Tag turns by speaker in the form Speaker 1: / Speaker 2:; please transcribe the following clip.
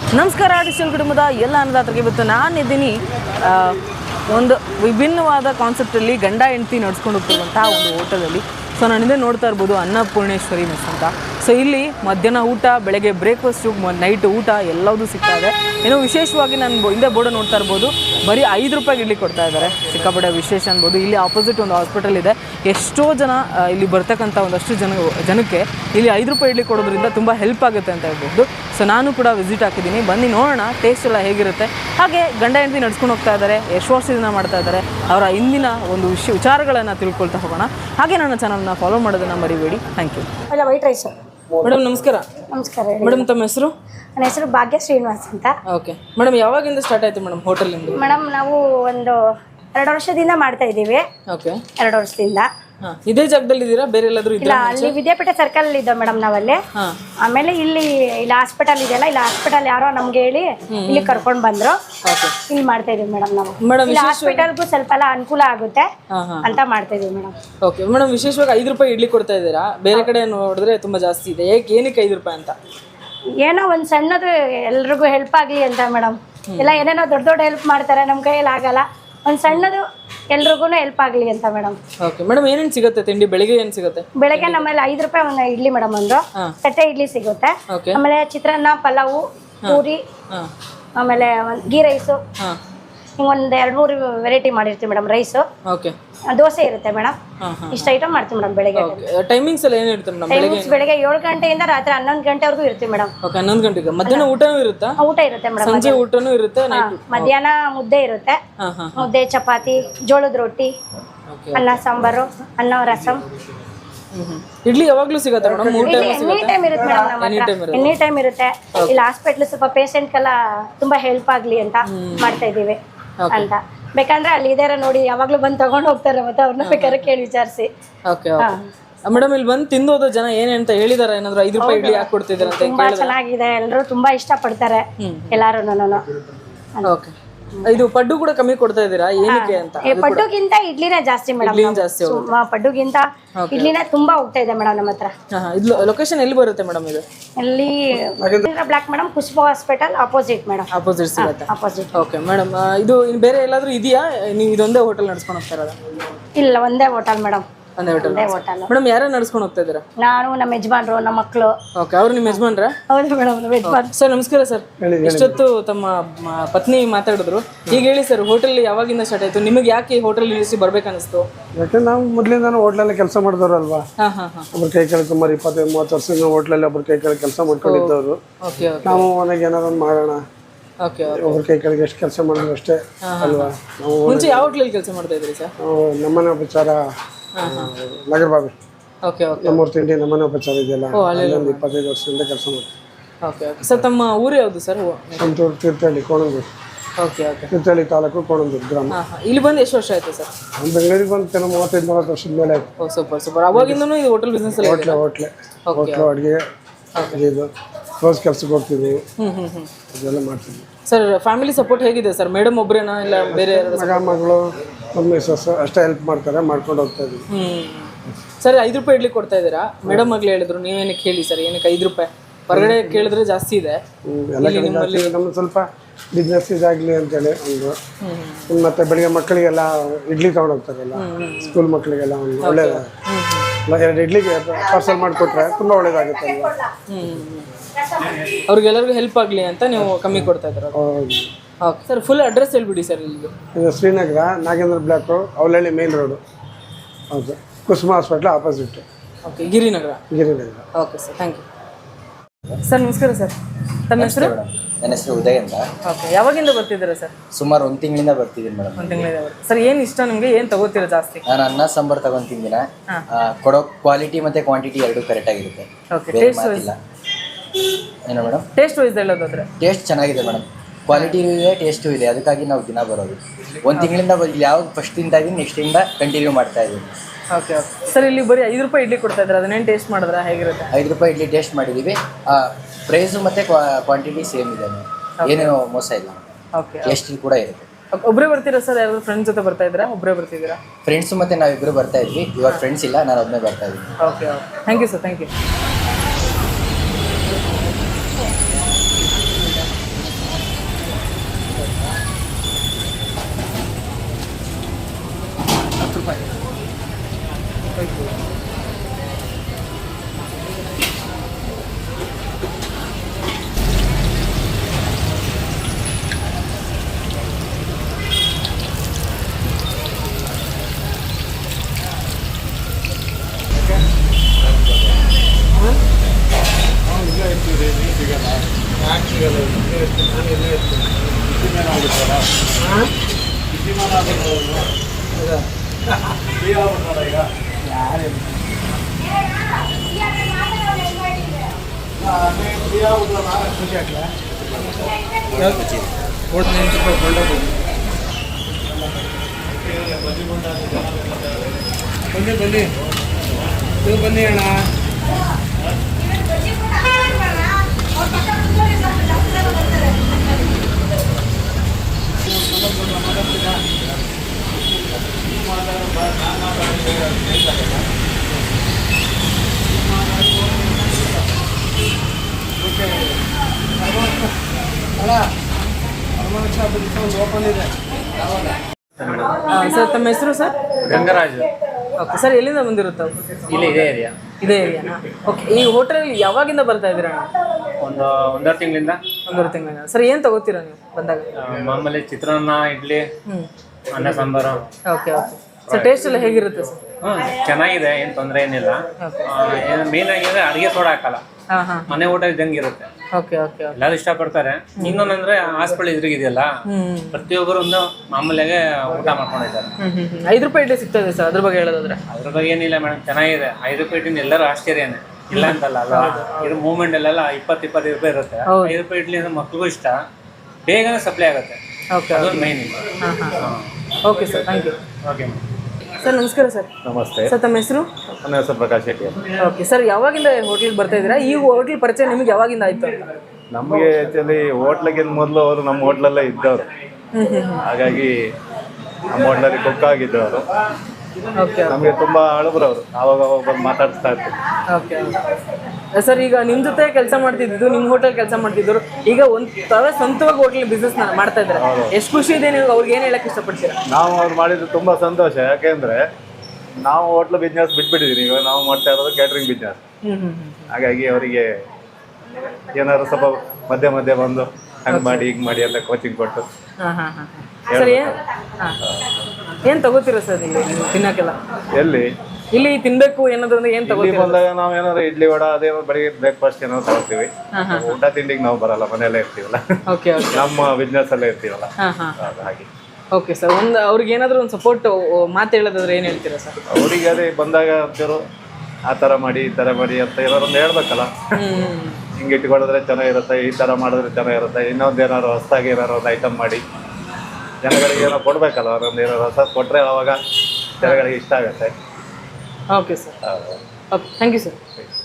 Speaker 1: ನಮಸ್ಕಾರ ಡಿಜಿಟಲ್ ಕುಟುಂಬದ ಎಲ್ಲ ಅನ್ನದಾತರಿಗೆ ಇವತ್ತು ನಾನಿದ್ದೀನಿ ಒಂದು ವಿಭಿನ್ನವಾದ ಕಾನ್ಸೆಪ್ಟಲ್ಲಿ ಗಂಡ ಹೆಂಡತಿ ನಡ್ಸ್ಕೊಂಡು ಹೋಗ್ತಿರುವಂತಹ ಒಂದು ಹೋಟೆಲಲ್ಲಿ. ಸೊ ನಾನು ಹಿಂದೆ ನೋಡ್ತಾ ಇರ್ಬೋದು ಅನ್ನಪೂರ್ಣೇಶ್ವರಿ ಮೆಸ್ ಅಂತ. ಸೊ ಇಲ್ಲಿ ಮಧ್ಯಾಹ್ನ ಊಟ, ಬೆಳಗ್ಗೆ ಬ್ರೇಕ್ಫಾಸ್ಟು, ನೈಟ್ ಊಟ ಎಲ್ಲದೂ ಸಿಗ್ತಾ ಇದೆ. ಏನೋ ವಿಶೇಷವಾಗಿ ನಾನು ಹಿಂದೆ ಬೋರ್ಡ್ ನೋಡ್ತಾ ಇರ್ಬೋದು, ಬರೀ 5 ರೂಪಾಯಿಗೆ ಇಡ್ಲಿ ಕೊಡ್ತಾ ಇದ್ದಾರೆ. ಸಿಕ್ಕಾಪಟ್ಟೆ ವಿಶೇಷ ಅನ್ಬೋದು. ಇಲ್ಲಿ ಆಪೋಸಿಟ್ ಒಂದು ಹಾಸ್ಪಿಟಲ್ ಇದೆ. ಎಷ್ಟೋ ಜನ ಇಲ್ಲಿ ಬರ್ತಕ್ಕಂಥ ಒಂದಷ್ಟು ಜನಕ್ಕೆ ಇಲ್ಲಿ 5 ರೂಪಾಯಿ ಇಡ್ಲಿ ಕೊಡೋದ್ರಿಂದ ತುಂಬ ಹೆಲ್ಪ್ ಆಗುತ್ತೆ ಅಂತ ಹೇಳ್ಬೋದು. ಸೊ ನಾನು ಕೂಡ ವಿಸಿಟ್ ಹಾಕಿದ್ದೀನಿ, ಬನ್ನಿ ನೋಡೋಣ ಟೇಸ್ಟ್ ಎಲ್ಲ ಹೇಗಿರುತ್ತೆ. ಹಾಗೆ ಗಂಡ ಹೆಂಡತಿ ನಡ್ಸ್ಕೊಂಡು ಹೋಗ್ತಾ ಇದ್ದಾರೆ, ಎಷ್ಟು ವರ್ಷದಿಂದ ಮಾಡ್ತಾ ಇದ್ದಾರೆ, ಅವರ ಇಂದಿನ ಒಂದು ವಿಚಾರಗಳನ್ನು ತಿಳ್ಕೊಳ್ತಾ ಹೋಗೋಣ. ಹಾಗೆ ನನ್ನ ಚಾನಲ್ನ ಫಾಲೋ ಮಾಡೋದನ್ನು ಮರಿಬೇಡಿ. Thank you.
Speaker 2: ಅಲ್ಲ, ವೈಟ್ ರೈಸ್.
Speaker 1: ಮೇಡಮ್ ನಮಸ್ಕಾರ.
Speaker 2: ನಮಸ್ಕಾರ
Speaker 1: ಮೇಡಮ್, ತಮ್ಮ ಹೆಸರು?
Speaker 2: ನನ್ನ ಹೆಸರು ಭಾಗ್ಯ ಶ್ರೀನಿವಾಸ್ ಅಂತ.
Speaker 1: ಓಕೆ ಮೇಡಮ್, ಯಾವಾಗಿಂದ ಸ್ಟಾರ್ಟ್ ಆಯಿತು ಮೇಡಮ್ ಹೋಟೆಲಿಂದ?
Speaker 2: ಮೇಡಮ್, ನಾವು ಒಂದು 2 ವರ್ಷದಿಂದ ಮಾಡ್ತಾ ಇದ್ದೀವಿ.
Speaker 1: ಓಕೆ,
Speaker 2: 2 ವರ್ಷದಿಂದ.
Speaker 1: ಇದೇ ಜಾಗದಲ್ಲಿ ಇದ್ದೀರಾ, ಬೇರೆ ಎಲ್ಲಾದ್ರೂ
Speaker 2: ಇಲ್ಲ, ಅಲ್ಲಿ ವಿದ್ಯಾಪೀಠ ಸರ್ಕಲ್ ಇದ್ದೋ ಮೇಡಮ್ ನಾವಲ್ಲಿ. ಆಮೇಲೆ ಇಲ್ಲಿ ಹಾಸ್ಪಿಟಲ್ ಇದೆಯಲ್ಲ, ಇಲ್ಲಿ ಹಾಸ್ಪಿಟಲ್ ಯಾರೋ ನಮ್ಗೆ ಹೇಳಿ ಇಲ್ಲಿ ಕರ್ಕೊಂಡ್ ಬಂದ್ರು. ಇಲ್ಲಿ ಮಾಡ್ತಾ ಇದೀವಿ ಮೇಡಮ್ ನಾವು. ಇಲ್ಲಿ ಹಾಸ್ಪಿಟಲ್ಗೂ ಸ್ವಲ್ಪ ಎಲ್ಲ ಅನುಕೂಲ ಆಗುತ್ತೆ ಅಂತ ಮಾಡ್ತಾ ಇದೀವಿ ಮೇಡಮ್.
Speaker 1: ಓಕೆ ಮೇಡಮ್, ವಿಶೇಷವಾಗಿ 5 ರೂಪಾಯಿ ಇಡ್ಲಿ ಕೊಡ್ತಾ ಇದ್ದೀರಾ. ಬೇರೆ ಕಡೆ ನೋಡಿದ್ರೆ ತುಂಬಾ ಜಾಸ್ತಿ ಇದೆ. ಏನಕ್ಕೆ 5 ರೂಪಾಯಿ ಅಂತ?
Speaker 2: ಏನೋ ಒಂದ್ ಸಣ್ಣದು ಎಲ್ರಿಗೂ ಹೆಲ್ಪ್ ಆಗ್ಲಿ ಅಂತ ಮೇಡಮ್. ಎಲ್ಲ ಏನೇನೋ ದೊಡ್ಡ ದೊಡ್ಡ ಹೆಲ್ಪ್ ಮಾಡ್ತಾರೆ, ನಮ್ ಕೈಯಲ್ಲಿ ಆಗಲ್ಲ. ಒಂದ್ ಸಣ್ಣದು ಎಲ್ರಿಗೂ ಹೆಲ್ಪ್ ಆಗಲಿ ಅಂತ ಮೇಡಮ್.
Speaker 1: ಓಕೆ ಮೇಡಮ್, ಏನೇನು ಸಿಗುತ್ತೆ ತಿಂಡಿ? ಬೆಳಿಗ್ಗೆ ಏನು ಸಿಗುತ್ತೆ?
Speaker 2: ಬೆಳಗ್ಗೆ ನಮ್ಮಲ್ಲಿ 5 ರೂಪಾಯಿ ಒಂದು ಇಡ್ಲಿ ಮೇಡಮ್, ಒಂದು ತಟ್ಟೆ ಇಡ್ಲಿ ಸಿಗುತ್ತೆ. ಆಮೇಲೆ ಚಿತ್ರಾನ್ನ, ಪಲಾವು, ಪೂರಿ, ಆಮೇಲೆ ಗೀ ರೈಸು, ಹಿಂಗೆ ಒಂದು 2-3 ವೆರೈಟಿ ಮಾಡಿರ್ತೀವಿ ಮೇಡಮ್. ರೈಸು, ದೋಸೆ ಇರುತ್ತೆ ಮೇಡಮ್. ಇಷ್ಟು ಐಟಮ್ ಮಾಡ್ತೀವಿ ಮೇಡಮ್ ಬೆಳಗ್ಗೆ.
Speaker 1: ಟೈಮಿಂಗ್ಸ್ ಎಲ್ಲ ಏನಿರುತ್ತೆ ಮೇಡಮ್?
Speaker 2: ಬೆಳಗ್ಗೆ 7 ಗಂಟೆಯಿಂದ ರಾತ್ರಿ 11 ಗಂಟೆವರೆಗೂ ಇರ್ತೀವಿ ಮೇಡಮ್.
Speaker 1: 11 ಗಂಟೆಗೆ. ಮಧ್ಯಾಹ್ನ ಊಟನೂ ಇರುತ್ತಾ?
Speaker 2: ಊಟ ಇರುತ್ತೆ ಮೇಡಮ್.
Speaker 1: ಸಂಜೆ ಊಟನೂ ಇರುತ್ತೆ.
Speaker 2: ಮಧ್ಯಾಹ್ನ ಮುದ್ದೆ ಇರುತ್ತೆ. ಮುದ್ದೆ, ಚಪಾತಿ, ಜೋಳದ ರೊಟ್ಟಿ, ಅನ್ನ ಸಾಂಬಾರು, ಅನ್ನ ರಸಂ.
Speaker 1: ಇಡ್ಲಿ ಯಾವಾಗ್ಲೂ ಸಿಗುತ್ತೆ ಮೇಡಮ್?
Speaker 2: ಎನಿ ಟೈಮ್ ಇರುತ್ತೆ ಮೇಡಮ್ ನಮ್ಮ ಹತ್ರ. ಎನಿ ಟೈಮ್ ಇರುತ್ತೆ. ಇಲ್ಲಿ ಹಾಸ್ಪಿಟ್ಲ್ ಸ್ವಲ್ಪ ಪೇಷಂಟ್ಗೆಲ್ಲ ತುಂಬಾ ಹೆಲ್ಪ್ ಆಗ್ಲಿ ಅಂತ ಮಾಡ್ತಾ ಇದೀವಿ ಅಂತ. ಬೇಕಂದ್ರೆ ಅಲ್ಲಿ ಇದಾರೆ ನೋಡಿ, ಯಾವಾಗ್ಲೂ ಬಂದು ತಗೊಂಡು ಹೋಗ್ತಾರೆ. ಮತ್ತೆ ಅವ್ರನ್ನ ಬೇಕಾದ್ರೆ ಕೇಳಿ ವಿಚಾರಿಸಿ.
Speaker 1: ಮೇಡಮ್, ಇಲ್ಲಿ ಬಂದು ತಿಂದು ಹೋದ ಜನ ಏನಂತ ಹೇಳಿದಾರೆ? ಏನಾದ್ರು 5 ರೂಪಾಯಿ ಇಡ್ಲಿ ಯಾಕೆ ಕೊಡ್ತಿದ್ದಾರೆ ಅಂತ?
Speaker 2: ತುಂಬಾ ಚೆನ್ನಾಗಿದೆ, ಎಲ್ಲರೂ ತುಂಬಾ ಇಷ್ಟ ಪಡ್ತಾರೆ ಎಲ್ಲಾರು.
Speaker 1: ಓಕೆ, ಇದು ಪಡ್ಡು ಕೂಡ ಕಮ್ಮಿ ಕೊಡ್ತಾ ಇದ್ದೀರಾ, ಏನಕ್ಕೆ ಅಂತ?
Speaker 2: ಪಡ್ಡುಗಿಂತ ಇಡ್ಲಿನೇ ಜಾಸ್ತಿ ಮೇಡಮ್. ಪಡ್ಡುಗಿಂತ ಇಡ್ಲಿನೇ ತುಂಬಾ ಹೋಗ್ತಾ ಇದೆ ಮೇಡಮ್ ನಮ್ಮ ಹತ್ರ.
Speaker 1: ಇದು ಲೊಕೇಶನ್ ಎಲ್ಲಿ ಬರುತ್ತೆ ಮೇಡಮ್? ಇದು
Speaker 2: ಎಲ್ಲಿ? Block madam, Kushba hospital opposite madam.
Speaker 1: Opposite ಸಿಗುತ್ತೆ.
Speaker 2: ಆಪೋಸಿಟ್.
Speaker 1: ಓಕೆ ಮೇಡಮ್, ಇದು ಬೇರೆ ಎಲ್ಲಾದ್ರೂ ಇದೆಯಾ? ನೀವು ಇದೊಂದೇ ಹೋಟೆಲ್ ನಡ್ಸ್ಕೊಂಡು ಹೋಗ್ತಾ ಇರೋದಾ?
Speaker 2: ಇಲ್ಲ, ಒಂದೇ ಹೋಟೆಲ್ ಮೇಡಮ್.
Speaker 1: ಒಂದೇ ಹೋಟೆಲ್. ಮೇಡಮ್, ಯಾರು ನಡ್ಸ್ಕೊಂಡು ಹೋಗ್ತಾ ಇದ್ದೀರಾ?
Speaker 2: ನಾನು, ನಮ್ಮ ಯಜಮಾನ್ರು, ನಮ್ಮ ಮಕ್ಕಳು.
Speaker 1: ಓಕೆ, ಅವ್ರು ನಿಮ್ಮ ಯಜಮಾನ್ರ?
Speaker 2: ಹೌದು ಮೇಡಮ್, ನಮ್ಮ ಯಜಮಾನ್.
Speaker 1: ಸರ್ ನಮಸ್ಕಾರ ಸರ್. ಇಷ್ಟೊತ್ತು ತಮ್ಮ ಪತ್ನಿ ಮಾತಾಡಿದ್ರು. ಈಗ ಹೇಳಿ ಸರ್, ಹೋಟೆಲ್ ಯಾವಾಗಿಂದ ಸ್ಟಾರ್ಟ್ ಆಯ್ತು? ನಿಮಗೆ ಯಾಕೆ ಈ ಹೋಟೆಲ್ ನಿಲ್ಲಿಸಿ ಬರ್ಬೇಕನ್ನಿಸ್ತು?
Speaker 3: ಯಾಕಂದ್ರೆ ನಾವು ಮೊದಲಿಂದ ಹೋಟ್ಲಲ್ಲಿ ಕೆಲಸ ಮಾಡಿದವ್ರಲ್ವಾ. ಒಬ್ರು ಕೈ ಕೆಳಗೆ ಸುಮಾರು 25-30 ವರ್ಷದಿಂದ ಹೋಟ್ಲಲ್ಲಿ ಒಬ್ರು ಕೈ ಕೆಳಗೆ ಕೆಲಸ ಮಾಡ್ಕೊಂಡಿದ್ದವರು. ನಾವು ಮನೆಗೆ ಏನಾದ್ರು ಒಂದು ಮಾಡೋಣ, ಒಬ್ರು ಕೈ ಕೆಳಗೆ ಎಷ್ಟು ಕೆಲಸ ಮಾಡಿದ್ರು ಅಷ್ಟೇ ಅಲ್ವಾ. ನಾವು
Speaker 1: ಮುಂಚೆ ಯಾವ ಹೋಟ್ಲಲ್ಲಿ ಕೆಲಸ ಮಾಡ್ತಾ ಇದ್ರಿ ಸರ್?
Speaker 3: ನಮ್ಮನೆ ಉಪಚಾರ, ನಗರ ಬಾಬಿ, ನಮ್ಮೂರು ತಿಂಡಿ ನಮ್ಮನೆ ಉಪಚಾರ ಇದೆಯಲ್ಲ, ಅಲ್ಲೊಂದು 25 ವರ್ಷದಿಂದ ಕೆಲಸ ಮಾಡ್ತೀವಿ.
Speaker 1: ಓಕೆ ಸರ್, ತಮ್ಮ ಊರು ಯಾವುದು ಸರ್?
Speaker 3: ಸಂತೂರು, ತೀರ್ಥಹಳ್ಳಿ, ಕೋಣಂದೂರು. ತೀರ್ಥಹಳ್ಳಿ ತಾಲೂಕು, ಕೋಣಂದೂರು ಗ್ರಾಮ.
Speaker 1: ಇಲ್ಲಿ ಬಂದು ಎಷ್ಟು ವರ್ಷ ಆಯ್ತು ಸರ್?
Speaker 3: ಬೆಂಗಳೂರಿಗೆ ಬಂದು 35-40 ವರ್ಷದ ಮೇಲೆ ಆಯ್ತು.
Speaker 1: Super super. ಅವಾಗಿಂದನೂ ಇದು ಹೋಟೆಲ್ ಬಿಸ್ನೆಸ್?
Speaker 3: ಹೋಟ್ಲು ಅಡುಗೆ, ಇದು ರೋಸ್ ಕೆಲ್ಸಕ್ಕೆ ಹೋಗ್ತಿದ್ವಿ, ಇದೆಲ್ಲ ಮಾಡ್ತಿದ್ವಿ.
Speaker 1: ಸರ್, ಫ್ಯಾಮಿಲಿ ಸಪೋರ್ಟ್ ಹೇಗಿದೆ ಸರ್? ಮೇಡಮ್ ಒಬ್ಬರೇನಾ ಇಲ್ಲ ಬೇರೆ?
Speaker 3: ಮಗಳು, ಮಿಸಸ್ ಅಷ್ಟೇ ಹೆಲ್ಪ್ ಮಾಡ್ತಾರೆ, ಮಾಡ್ಕೊಂಡು ಹೋಗ್ತಾ ಇದ್ವಿ.
Speaker 1: ಸರ್, 5 ರೂಪಾಯಿ ಇಡ್ಲಿ ಕೊಡ್ತಾ ಇದ್ದೀರಾ. ಮೇಡಮ್ ಆಗ್ಲಿ ಹೇಳಿದ್ರು, ನೀವೇನಕ್ಕೆ ಹೇಳಿ ಸರ್, ಏನಕ್ಕೆ 5 ರೂಪಾಯಿ? ಹೊರಗಡೆ ಕೇಳಿದ್ರೆ ಜಾಸ್ತಿ ಇದೆ.
Speaker 3: ಎಲ್ಲ ಕಡೆ ನಮ್ಗೆ ಸ್ವಲ್ಪ ಬಿಸ್ನೆಸ್ ಇದಾಗಲಿ ಅಂತೇಳಿ ಒಂದು. ಮತ್ತೆ ಬೆಳಿಗ್ಗೆ ಮಕ್ಕಳಿಗೆಲ್ಲ ಇಡ್ಲಿ ತೊಗೊಂಡು ಹೋಗ್ತಾರಲ್ಲ, ಸ್ಕೂಲ್ ಮಕ್ಕಳಿಗೆಲ್ಲ ಒಂದು ಒಳ್ಳೇದು. 2 ಇಡ್ಲಿಗೆ ಪಾರ್ಸಲ್ ಮಾಡಿಕೊಟ್ರೆ ತುಂಬ ಒಳ್ಳೇದಾಗುತ್ತೆ ಅಲ್ವಾ.
Speaker 1: ಅವ್ರಿಗೆಲ್ಲರಿಗೂ ಹೆಲ್ಪ್ ಆಗಲಿ ಅಂತ ನೀವು ಕಮ್ಮಿ ಕೊಡ್ತಾ ಇದ್ದೀರಾ? ಓಕೆ ಸರ್, ಫುಲ್ ಅಡ್ರೆಸ್ ಹೇಳ್ಬಿಡಿ ಸರ್. ಇದು
Speaker 3: Srinagar, Nagendra block, Avalahalli main road. ಹೌದು, Kusuma hospital opposite.
Speaker 1: Okay, Girinagar. Okay sir, thank you. Sir ನಮಸ್ಕಾರ ಸರ್, ತಮ್ಮ ಹೆಸರು?
Speaker 4: ನನ್ನ ಹೆಸರು ಉದಯ್ ಅಂತ.
Speaker 1: ಓಕೆ, ಯಾವಾಗಿಂದ ಬರ್ತಿದ್ದೀರಾ ಸರ್?
Speaker 4: ಸುಮಾರು 1 ತಿಂಗಳಿಂದ ಬರ್ತಿದ್ದೀನಿ ಮೇಡಮ್.
Speaker 1: 1 ತಿಂಗಳಿಂದ ಸರ್. ಏನು ಇಷ್ಟ ನಿಮಗೆ? ಏನು ತಗೋತೀರಾ ಜಾಸ್ತಿ?
Speaker 4: ನಾನು ಅನ್ನ ಸಾಂಬಾರು ತಗೊಂತೀನಿ ದಿನ. ಕೊಡೋ ಕ್ವಾಲಿಟಿ ಮತ್ತು ಕ್ವಾಂಟಿಟಿ ಎರಡೂ ಕರೆಕ್ಟಾಗಿರುತ್ತೆ.
Speaker 1: ಓಕೆ, ಟೇಸ್ಟ್ ವೈಸ್
Speaker 4: ಏನೋ ಮೇಡಮ್?
Speaker 1: ಟೇಸ್ಟ್ ವೈಸ್ ಹೇಳೋದಾದ್ರೆ
Speaker 4: ಟೇಸ್ಟ್ ಚೆನ್ನಾಗಿದೆ ಮೇಡಮ್, ಕ್ವಾಲಿಟಿ ಇದೆ, ಟೇಸ್ಟು ಇದೆ. ಅದಕ್ಕಾಗಿ ನಾವು ದಿನ ಬರೋದು. 1 ತಿಂಗಳಿಂದ ಯಾವ್ದು ಫಸ್ಟ್ ತಿಂತಾ ಇದ್ದೀನಿ, ನೆಕ್ಸ್ಟಿಂದ ಕಂಟಿನ್ಯೂ ಮಾಡ್ತಾ ಇದ್ದೀನಿ.
Speaker 1: ಓಕೆ ಓಕೆ ಸರ್, ಇಲ್ಲಿ ಬರೀ 5 ರೂಪಾಯಿ ಇಡ್ಲಿ ಕೊಡ್ತಾ ಇದ್ದಾರೆ, ಅದನ್ನೇನು ಟೇಸ್ಟ್ ಮಾಡಿದ್ರೆ ಹೇಗಿರುತ್ತೆ?
Speaker 4: 5 ರೂಪಾಯಿ ಇಡ್ಲಿ ಟೇಸ್ಟ್ ಮಾಡಿದ್ದೀವಿ. ಪ್ರೈಸು ಮತ್ತು ಕ್ವಾಂಟಿಟಿ ಸೇಮ್ ಇದೆ, ಏನೇನು ಮೋಸ ಇಲ್ಲ.
Speaker 1: ಓಕೆ,
Speaker 4: ಟೇಸ್ಟ್ ಕೂಡ ಇರುತ್ತೆ.
Speaker 1: ಒಬ್ಬರೇ ಬರ್ತೀರಾ ಸರ್? ಯಾರಾದ್ರು ಫ್ರೆಂಡ್ಸ್ ಜೊತೆ ಬರ್ತಾ ಇದ್ದೀರಾ? ಒಬ್ಬರೇ ಬರ್ತಿದ್ದೀರಾ?
Speaker 4: ಫ್ರೆಂಡ್ಸು ಮತ್ತು ನಾವಿಬ್ಬರು ಬರ್ತಾ ಇದ್ವಿ. ಇವಾಗ ಫ್ರೆಂಡ್ಸ್ ಇಲ್ಲ, ನಾನು ಒಬ್ಬನೇ ಬರ್ತಾ ಇದ್ದೀನಿ.
Speaker 1: Okay okay, thank you sir, thank you.
Speaker 3: ಬನ್ನಿ ಬನ್ನಿ ಇದು ಬನ್ನಿ ಅಣ್ಣ. ಓಪನ್ ಇದೆ.
Speaker 1: ಸರ್ ತಮ್ಮ ಹೆಸರು ಸರ್?
Speaker 5: ಗಂಗರಾಜ್.
Speaker 1: ಓಕೆ ಸರ್, ಎಲ್ಲಿಂದ ಬಂದಿರುತ್ತೆ?
Speaker 5: ಇಲ್ಲಿ ಇದೇ ಏರಿಯಾ.
Speaker 1: ಇದೇ ಏರಿಯಾನಾ? ಓಕೆ. ಈ ಹೋಟೆಲ್ ಯಾವಾಗಿಂದ ಬರ್ತಾ ಇದ್ದೀರಾ?
Speaker 5: ಒಂದೂವರೆ ತಿಂಗಳಿಂದ.
Speaker 1: ಒಂದೂವರೆ ತಿಂಗಳಿಂದ. ಸರ್ ಏನು ತಗೋತೀರಾ ನೀವು ಬಂದಾಗ?
Speaker 5: ಮಾಮೂಲಿ ಚಿತ್ರಾನ್ನ, ಇಡ್ಲಿ, ಅನ್ನ sambar.
Speaker 1: Okay okay sir, taste ಎಲ್ಲ ಹೇಗಿರುತ್ತೆ ಸರ್?
Speaker 5: ಚೆನ್ನಾಗಿದೆ, ಏನು ತೊಂದರೆ ಏನಿಲ್ಲ. ಮೇನ್ ಆಗಿದೆ ಅಡುಗೆ ಸೋಡಾ ಹಾಕಲ್ಲ,
Speaker 1: ಹಾಂ ಹಾಂ.
Speaker 5: ಮನೆ ಊಟ ಇದ್ದಂಗೆ ಇರುತ್ತೆ.
Speaker 1: Okay okay okay.
Speaker 5: ಎಲ್ಲರೂ ಇಷ್ಟಪಡ್ತಾರೆ. ಇನ್ನೊಂದಂದ್ರೆ ಹಾಸ್ಪಿಟಲ್ ಎದುರಿಗಿದೆಯಲ್ಲ, ಪ್ರತಿಯೊಬ್ಬರು ಒಂದು ಮಾಮೂಲಿಯಾಗೆ ಊಟ ಮಾಡ್ಕೊಂಡಿದ್ದಾರೆ.
Speaker 1: 5 ರೂಪಾಯಿ ಇಡ್ಲಿ ಸಿಗ್ತದೆ ಸರ್, ಅದ್ರ ಬಗ್ಗೆ ಹೇಳೋದಾದ್ರೆ?
Speaker 5: ಅದ್ರ ಬಗ್ಗೆ ಏನಿಲ್ಲ ಮೇಡಮ್, ಚೆನ್ನಾಗಿದೆ. 5 ರೂಪಾಯಿ ಇಡ್ಲಿ ಎಲ್ಲರೂ ಆಶ್ಚರ್ಯನೇ, ಇಲ್ಲ ಅಂತಲ್ಲ ಅಲ್ವಾ. ಇದು ಮೂವ್ಮೆಂಟ್ ಅಲ್ಲೆಲ್ಲ 20-25 ರೂಪಾಯಿ ಇರುತ್ತೆ. 5 ರೂಪಾಯಿ ಇಡ್ಲಿ ಅಂದ್ರೆ ಮಕ್ಳಿಗೂ ಇಷ್ಟ, ಬೇಗನೆ ಸಪ್ಲೈ ಆಗುತ್ತೆ.
Speaker 1: ಓಕೆ
Speaker 5: ಅದೊಂದು ಮೈನ್ ಇಲ್ಲ.
Speaker 1: Okay sir, thank you.
Speaker 5: Okay madam.
Speaker 1: Sir ನಮಸ್ಕಾರ ಸರ್.
Speaker 6: ನಮಸ್ತೆ,
Speaker 1: ಸರ್ ತಮ್ಮ ಹೆಸರು?
Speaker 6: ನನ್ನ ಹೆಸರು ಪ್ರಕಾಶ್ ಶೆಟ್ಟಿ.
Speaker 1: ಓಕೆ ಸರ್, ಯಾವಾಗಿಂದ ಹೋಟ್ಲಿಗೆ ಬರ್ತಾ ಇದ್ದೀರಾ? ಈ ಹೋಟ್ಲ್ ಪರಿಚಯ ನಿಮಗೆ ಯಾವಾಗಿಂದ ಆಯ್ತು?
Speaker 6: ನಮಗೆ ಆ್ಯಕ್ಚುಲಿ ಹೋಟ್ಲಿಗಿಂತ ಮೊದಲು ಅವರು ನಮ್ಮ ಹೋಟ್ಲಲ್ಲೇ ಇದ್ದವರು, ಹಾಗಾಗಿ ನಮ್ಮ ಹೋಟ್ಲಲ್ಲಿ ಕುಕ್ ಆಗಿದ್ದವರು.
Speaker 1: ಓಕೆ
Speaker 6: ನಮಗೆ ತುಂಬ ಹಳಬ್ರವರು, ಆವಾಗ ಬಂದು ಮಾತಾಡಿಸ್ತಾ ಇರ್ತೀವಿ.
Speaker 1: ಓಕೆ ಸರ್, ಈಗ ನಿಮ್ಮ ಜೊತೆ ಕೆಲಸ ಮಾಡ್ತಿದ್ದು, ನಿಮ್ಮ ಹೋಟೆಲ್ ಕೆಲಸ ಮಾಡ್ತಿದ್ರು, ಈಗ ಒಂಥರ ಸ್ವಂತವಾಗಿ ಹೋಟ್ಲ್ ಬಿಸ್ನೆಸ್ ಮಾಡ್ತಾ ಇದ್ದಾರೆ. ಎಷ್ಟು ಖುಷಿ ಇದೆ ನೀವು ಅವ್ರಿಗೆ ಏನು ಹೇಳಕ್ಕೆ ಇಷ್ಟಪಡ್ತೀರಾ?
Speaker 6: ನಾವು ಅವ್ರು ಮಾಡಿದ್ದು ತುಂಬ ಸಂತೋಷ. ಯಾಕೆಂದರೆ ನಾವು ಹೋಟ್ಲ್ ಬಿಸ್ನೆಸ್ ಬಿಟ್ಬಿಟ್ಟಿದ್ದೀವಿ, ಇವಾಗ ನಾವು ಮಾಡ್ತಾ ಇರೋದು ಕ್ಯಾಟ್ರಿಂಗ್ ಬಿಸ್ನೆಸ್. ಹಾಗಾಗಿ ಅವರಿಗೆ ಏನಾದ್ರು ಸ್ವಲ್ಪ ಮಧ್ಯೆ ಮಧ್ಯೆ ಬಂದು ಹಂಗೆ ಮಾಡಿ ಹಿಂಗೆ ಮಾಡಿ ಅಂತ ಕೋಚಿಂಗ್ ಕೊಟ್ಟು.
Speaker 1: ಸರ್ ಏನು ತಗೋತೀರಾ ಸರ್ ನೀವು ತಿನ್ನೋಕ್ಕೆಲ್ಲ?
Speaker 6: ಎಲ್ಲಿ
Speaker 1: ಇಲ್ಲಿ ತಿನ್ಬೇಕು ಏನಾದ್ರು ಅಂದ್ರೆ ಏನು
Speaker 6: ಇಲ್ಲಿ
Speaker 1: ತಗೋತೀರಾ?
Speaker 6: ಬಂದಾಗ ನಾವು ಏನಾದ್ರು ಇಡ್ಲಿ ವಡ ಅದೇನೋ ಬೆಳಿಗ್ಗೆ ಬ್ರೇಕ್ಫಾಸ್ಟ್ ಏನಾದ್ರು ತಗೋತೀವಿ. ಊಟ ತಿಂಡಿಗೆ ನಾವು ಬರಲ್ಲ, ಮನೆಯಲ್ಲೇ ಇರ್ತೀವಲ್ಲ,
Speaker 1: ಓಕೆ ಓಕೆ.
Speaker 6: ನಮ್ಮ ಬಿಸ್ನೆಸ್ ಅಲ್ಲೇ ಇರ್ತೀವಲ್ಲ,
Speaker 1: ಹಾಂ ಹಾಂ.
Speaker 6: ಹಾಗೆ.
Speaker 1: ಓಕೆ ಸರ್, ಅವ್ರಿಗೆ ಏನಾದರೂ ಒಂದು ಸಪೋರ್ಟ್ ಮಾತು ಹೇಳೋದಾದ್ರೆ ಏನು ಹೇಳ್ತೀರಾ ಸರ್?
Speaker 6: ಅವರಿಗೆ ಅದೇ ಬಂದಾಗ ಅಂತೀರು ಆ ಥರ ಮಾಡಿ ಈ ಥರ ಮಾಡಿ ಅಂತ ಏನಾದ್ರು ಒಂದು ಹೇಳ್ಬೇಕಲ್ಲ. ಹಿಂಗೆ ಇಟ್ಕೊಡಿದ್ರೆ ಚೆನ್ನಾಗಿರುತ್ತೆ, ಈ ಥರ ಮಾಡಿದ್ರೆ ಚೆನ್ನಾಗಿರುತ್ತೆ, ಇನ್ನೊಂದು ಏನಾದ್ರು ಹೊಸದಾಗಿ ಏನಾದ್ರು ಒಂದು ಐಟಮ್ ಮಾಡಿ ಜನಗಳಿಗೆ ಏನೋ ಕೊಡಬೇಕಲ್ಲ. ಅದೊಂದು ಏನಾದ್ರು ಹೊಸ ಕೊಟ್ಟರೆ ಅವಾಗ ಜನಗಳಿಗೆ ಇಷ್ಟ ಆಗುತ್ತೆ.
Speaker 1: Okay sir. Okay, thank you sir.